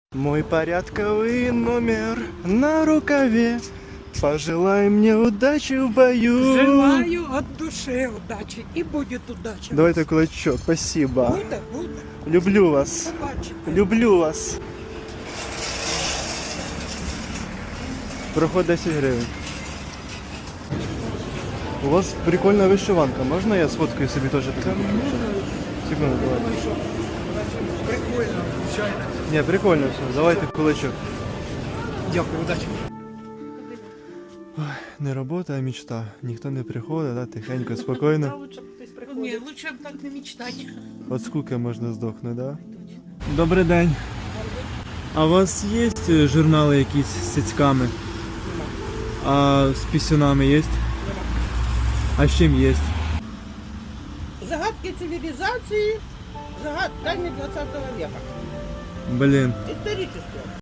Мой порядковый номер на рукаве. Пожелай мне удачи в бою. Желаю от души удачи. И будет удача. Давайте кулачок, спасибо. Буде. Люблю вас. Побачите. Люблю вас. Проход 10 гривень. У вас прикольна вишиванка. Можна я сфоткаю собі теж таку? Секунду, давай. Прикольно, звичайно. Ні, прикольно все. Давайте кулачок. Дякую, удачі. Не робота, а мечта. Ніхто не приходить, да? Тихенько, спокійно. Ні, лучше б так не мечтати. От скуки можна здохнути, да? Добрий день. А у вас є журнали якісь з цицьками? А з пісюнами є? А з чим є? Загадки цивилизации, загадками 20 века. Блін. Исторические.